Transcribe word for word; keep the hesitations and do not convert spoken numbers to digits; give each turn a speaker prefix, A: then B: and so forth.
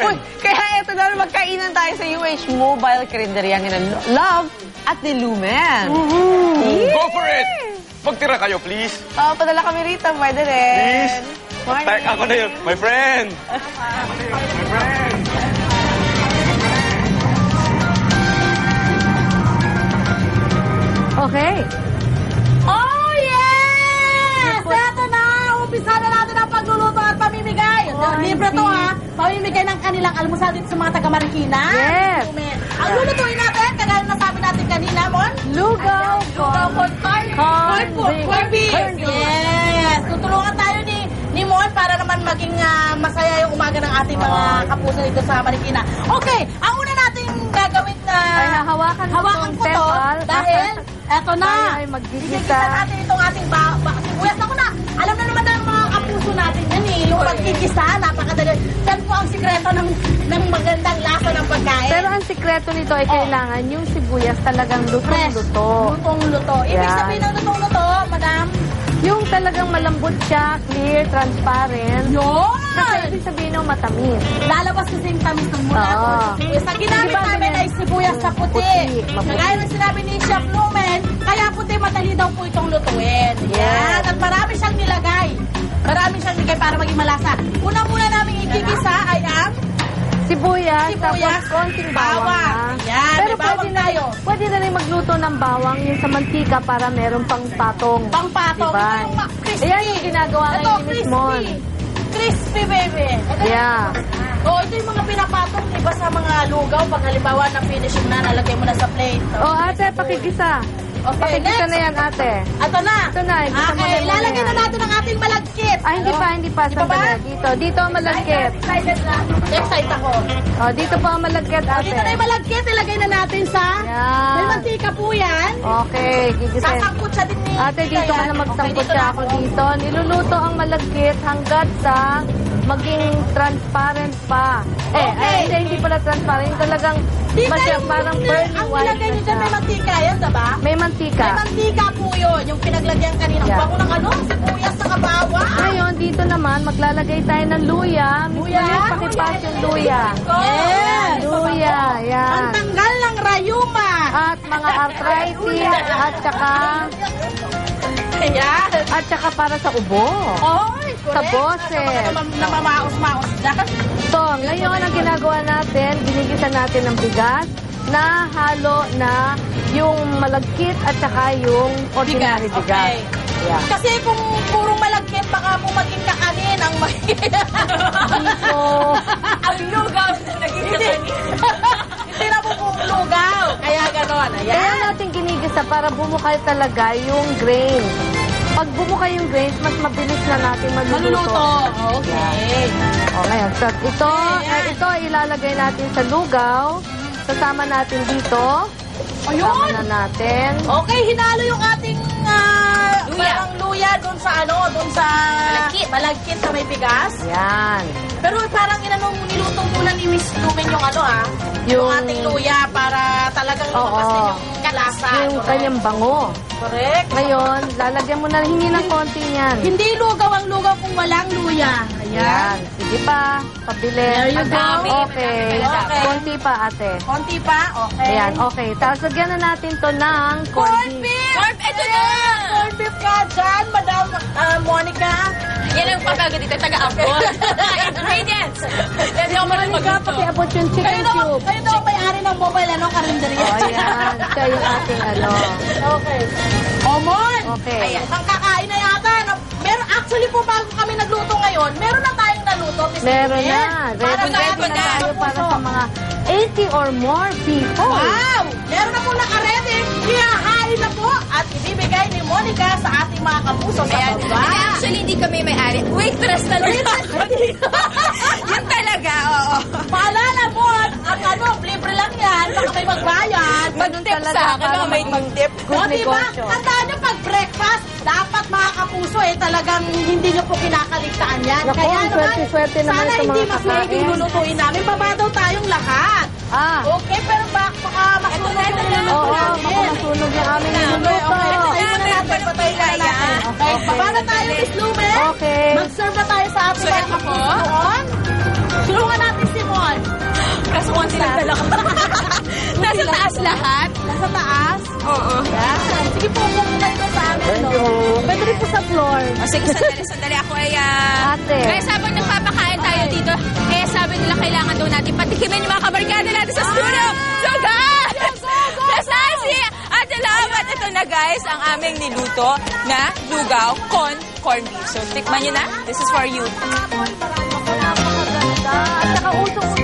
A: Uy, kaya eto na, magkainan tayo sa U H Mobile Karinderya ng Love at ni Lumen.
B: Mm-hmm. Go for it! Magtira kayo, please.
A: Oh, padala kami rito, pwede rin.
B: Please.
A: Morning.
B: Tak, ako na yun. My friend. My friend.
C: Okay.
D: Oh, yes! Eto na! Umpisa na natin ang pagluluto at pamimigay.
C: Oh,
D: Libre to,
C: hindi.
D: ha? Pamimigay ng kanilang almusal dito sa mga taga-Marikina.
C: Yes.
D: Ang lulutuin natin, kagaya na sabi natin kanina, Mon?
C: Lugaw.
D: Lugaw con carne.
C: Corn
D: Corn
C: beef.
D: corn beef.
C: Corn beef.
D: Yes. Tutulungan tayo ni ni Mon para naman maging ah, masaya yung umaga ng ating mga kapuso dito sa Marikina. Okay, ang una nating gagawin na
C: Ay, hahawakan mo
D: hawakan
C: itong
D: ko to
C: tepal.
D: dahil eto na.
C: Tayo ay magigisa.
D: Igigisa natin itong ating ba ba sibuyas. Ako na, alam na naman ng mga kapuso natin yan eh. Yung pagkigisa, napakadali. Yan po ang sikreto ng, ng magandang lasa ng pagkain.
C: Pero ang sikreto nito ay kailangan yung sibuyas talagang lutong-luto.
D: Lutong-luto. Ibig
C: Yan.
D: sabihin ng lutong-luto, madam?
C: Yung talagang malambot siya, clear, transparent.
D: Yun!
C: Kasi ibig sabihin ng matamis.
D: Lalabas kasi yung tamis ng mula.
C: Oo.
D: Ang ginamit
C: Diba,
D: namin
C: ganyan?
D: ay sibuyas sa puti.
C: Puti, maputi.
D: Kagaya ng sinabi ni Chef Lumen, kaya puti madali daw po itong lutuin. Yan. At marami siyang nilagay. Marami siyang nilagay para maging malasa. Una-muna namin ikikisa ay ang
C: Sibuyas,
D: Sibuyas,
C: tapos konting
D: bawang.
C: bawang. ha?
D: Yan,
C: Pero
D: may bawang
C: pwede na,
D: tayo.
C: pwede na rin magluto ng bawang yung sa mantika para meron pang patong.
D: pangpatong.
C: Diba?
D: Ito yung ma- crispy.
C: Ayan yung ginagawa
D: Ito,
C: ngayon ni Miss
D: crispy.
C: Mon.
D: Crispy, baby. Ito yung-
C: Yeah.
D: Oh, ito yung mga pinapatong, diba, sa mga lugaw. Pag halimbawa na finishing na, nalagay mo na sa plate.
C: O ate, pakigisa.
D: Okay,
C: Pakigisa
D: next.
C: na yan ate.
D: Ito na.
C: Ito na, igisa mo na
D: Okay,
C: muna
D: lalagyan
C: yan.
D: na natin ang ating malagkit.
C: Ah, hindi
D: Ano?
C: pa, hindi pa.
D: Di pa ba?
C: Sandali. Dito, dito ang malagkit.
D: Excited na. Excited ako.
C: O, dito po ang malagkit
D: O,
C: ate.
D: dito na yung malagkit. Ilagay na natin sa...
C: Yan.
D: May mantika po yan.
C: Okay, gigisin.
D: Sasangkot siya din ni...
C: Ate, dito ka
D: Kaya-
C: na
D: Okay,
C: magsangkot
D: dito
C: siya
D: na
C: ako dito. Niluluto ang malagkit hanggat sa maging transparent pa. Eh,
D: Okay.
C: ay, hindi, hindi pala transparent. Yung talagang
D: Dito
C: masya,
D: yung-
C: parang pearly
D: Ang
C: white
D: nilagay
C: na
D: nyo dyan, may
C: siya.
D: mantika yan, diba?
C: May mantika.
D: May mantika po yun. Yung pinaglagyan kanina. Ang
C: Yeah.
D: bango ng ano? Sibuyas sa kabawa.
C: Ngayon, dito naman, maglalagay tayo ng luya.
D: Luya?
C: Luya? Pakipas yung luya.
D: Yes.
C: Luya, yan.
D: Ang tanggal ng rayuma.
C: At mga arthritis, at saka,
D: Ayan.
C: at saka para sa ubo.
D: Oy,
C: Sa
D: correct.
C: boses.
D: Sa mga namamaos-maos dyan.
C: So, ngayon ang ginagawa natin, ginigisa natin ng bigas na halo na yung malagkit at saka yung ordinary bigas.
D: Okay.
C: Yeah.
D: Kasi kung purong malagkit, baka po maging kakanin ang may...
C: So,
D: ang lugaw na naging kakanin. Hindi na po pong lugaw. Kaya ganon.
C: kaya
D: Ayan.
C: natin ginigisa para bumukay talaga yung grain. Pag bumukay yung grains, mas mabilis na natin maluluto.
D: Maluluto. Okay.
C: O, ngayon, so, ito,
D: Ayan.
C: eh, ito ilalagay natin sa lugaw. Sasama natin dito.
D: Ayun.
C: Sasama na natin.
D: Okay, hinalo yung ating ah, parang luya doon sa ano, doon sa malagkit. Malagkit sa may bigas.
C: Yan.
D: Pero parang inanong niluto muna ni Miss Lumen yung ano ah, yung,
C: Yung-
D: ating luya para talagang lumabas
C: Oo.
D: din yung kalasa.
C: Yung
D: Correct.
C: kanyang bango.
D: Correct.
C: Ngayon, lalagyan mo na hingi ng konti niyan.
D: Hindi lugaw ang lugaw kung walang luya.
C: Yan.
D: Ayan.
C: Sige pa. Pabili.
D: There you go.
C: Okay.
D: Okay.
C: Konti pa, ate.
D: Konti pa, okay.
C: Ayan, okay. Tapos lagyan na natin to ng
D: Corn
C: corned beef.
D: beef! Corn beef! Ito na! Corn beef ka dyan, Madam ah, Monica.
E: Yan ang papagod dito, taga-abot. Ingredients! Yan yung marunong
C: Monica,
E: magluto.
C: pakiabot yung chicken
D: Kayo daw,
C: cube.
D: kayo daw may-ari ng mobile, ano, karinderya.
C: O, ayan. Siya yung ating ano.
D: Okay. Omon!
C: Okay.
D: Ayan, isang kakain na yata. No? Meron, actually po, bago kami nagluto ngayon, meron na tayong naluto, Miss
C: Meron
D: Lumen.
C: na.
D: Para
C: Ready,
D: sa
C: ready
D: ating
C: na
D: mga
C: tayo para
D: kapuso.
C: sa mga eighty or more people.
D: Wow! Meron na po naka-ready. Ihahain na po at ibibigay ni Monica sa ating mga kapuso sa
E: Ayan.
D: baba.
E: Hindi, actually, hindi kami may-ari. Waitress talaga. Yun talaga, oo.
D: Paalala po, at ang ano, libre lang yan. Baka may magbayad.
E: Mag-tip
C: talaga
E: sa akin,
C: para
E: no? May
C: maging
E: mag-tip.
D: O,
C: Good
D: diba?
C: negosyo.
D: Tandaan nyo, pag breakfast, dapat mga kapuso, eh, talagang hindi nyo po kinakaligtaan yan.
C: Naku,
D: Kaya
C: ang
D: naman,
C: swerte-swerte naman
D: sana
C: ito,
D: hindi
C: mga
D: mas maiging
C: kakain.
D: lulutuin namin. Baba daw tayong lahat.
C: Ah.
D: Okay, pero bak baka masunog
E: Ito na,
D: yung
E: ito na.
D: niluluto
C: Oo,
D: namin.
C: baka masunog yung aming
D: Okay,
C: niluluto.
D: okay. Patayin muna natin, patayin muna natin. Okay,
C: Okay.
D: baba na tayo, Miss Lumen.
C: Okay.
D: Mag-serve na tayo sa ating
E: So,
D: mga
E: ito po.
D: kapuso doon. Tulungan natin si Mon. Kala ko.
E: Nasa taas lahat.
D: Nasa taas?
E: Oo.
D: Yan. Sige po, kung ganito sa amin.
B: Thank
D: no?
B: you.
C: Pwede rin po sa floor.
E: O sige, sandali, sandali. Ako ay, ah...
C: Ate.
E: Kaya sabang nagpapakain tayo dito, eh sabi nila kailangan daw natin patikimin yung mga kabarkada natin sa studio. So guys! Nasaan si Ate Love? At ito na guys, ang aming niluto na lugaw con corned beef. So tikman nyo na. This is for you.
C: Napakaganda. At saka usong